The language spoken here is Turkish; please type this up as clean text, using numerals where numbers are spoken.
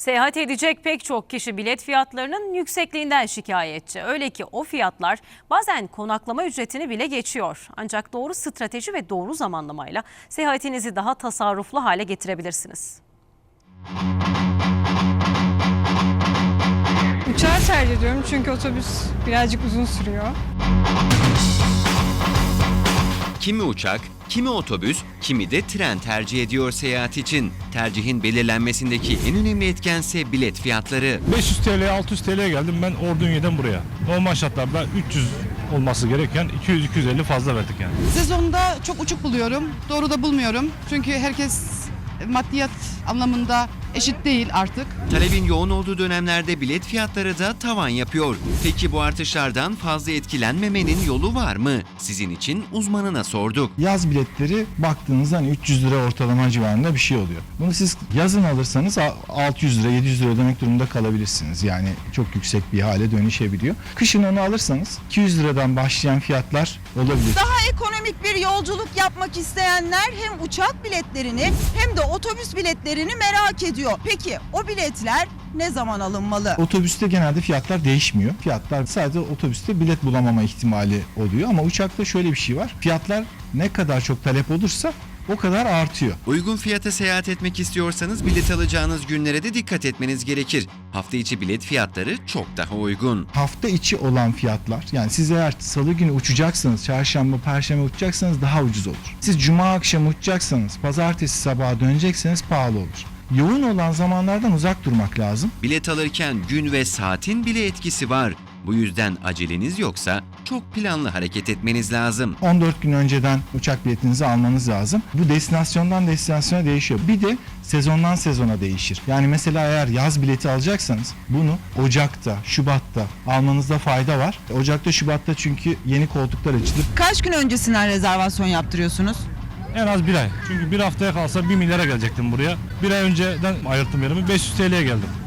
Seyahat edecek pek çok kişi bilet fiyatlarının yüksekliğinden şikayetçi. Öyle ki o fiyatlar bazen konaklama ücretini bile geçiyor. Ancak doğru strateji ve doğru zamanlamayla seyahatinizi daha tasarruflu hale getirebilirsiniz. Uçağı tercih ediyorum çünkü otobüs birazcık uzun sürüyor. Kimi uçak, kimi otobüs, kimi de tren tercih ediyor seyahat için. Tercihin belirlenmesindeki en önemli etkense bilet fiyatları. 500 TL, 600 TL'ye geldim ben Ordunya'dan buraya. Normal şartlarda 300 olması gereken 200-250 fazla verdik yani. Sezonda çok uçuk buluyorum. Doğru da bulmuyorum. Çünkü herkes maddiyat anlamında eşit değil artık. Talebin yoğun olduğu dönemlerde bilet fiyatları da tavan yapıyor. Peki bu artışlardan fazla etkilenmemenin yolu var mı? Sizin için uzmanına sorduk. Yaz biletleri baktığınızda hani 300 lira ortalama civarında bir şey oluyor. Bunu siz yazın alırsanız 600 lira 700 lira ödemek durumunda kalabilirsiniz. Yani çok yüksek bir hale dönüşebiliyor. Kışın onu alırsanız 200 liradan başlayan fiyatlar olabilir. Daha ekonomik bir yolculuk yapmak isteyenler hem uçak biletlerini hem de otobüs biletlerini merak ediyor. Peki o biletler ne zaman alınmalı? Otobüste genelde fiyatlar değişmiyor. Fiyatlar sadece otobüste bilet bulamama ihtimali oluyor ama uçakta şöyle bir şey var. Fiyatlar ne kadar çok talep olursa o kadar artıyor. Uygun fiyata seyahat etmek istiyorsanız bilet alacağınız günlere de dikkat etmeniz gerekir. Hafta içi bilet fiyatları çok daha uygun. Hafta içi olan fiyatlar, yani siz eğer salı günü uçacaksanız, çarşamba, perşembe uçacaksanız daha ucuz olur. Siz cuma akşamı uçacaksanız, pazartesi sabaha dönecekseniz pahalı olur. Yoğun olan zamanlardan uzak durmak lazım. Bilet alırken gün ve saatin bile etkisi var. Bu yüzden aceleniz yoksa çok planlı hareket etmeniz lazım. 14 gün önceden uçak biletinizi almanız lazım. Bu destinasyondan destinasyona değişiyor. Bir de sezondan sezona değişir. Yani mesela eğer yaz bileti alacaksanız bunu Ocak'ta, Şubat'ta almanızda fayda var. Ocak'ta, Şubat'ta çünkü yeni koltuklar açılır. Kaç gün öncesinden rezervasyon yaptırıyorsunuz? En az bir ay. Çünkü bir haftaya kalsa 1 milyara gelecektim buraya. Bir ay önceden ayırttım yerimi 500 TL'ye geldim.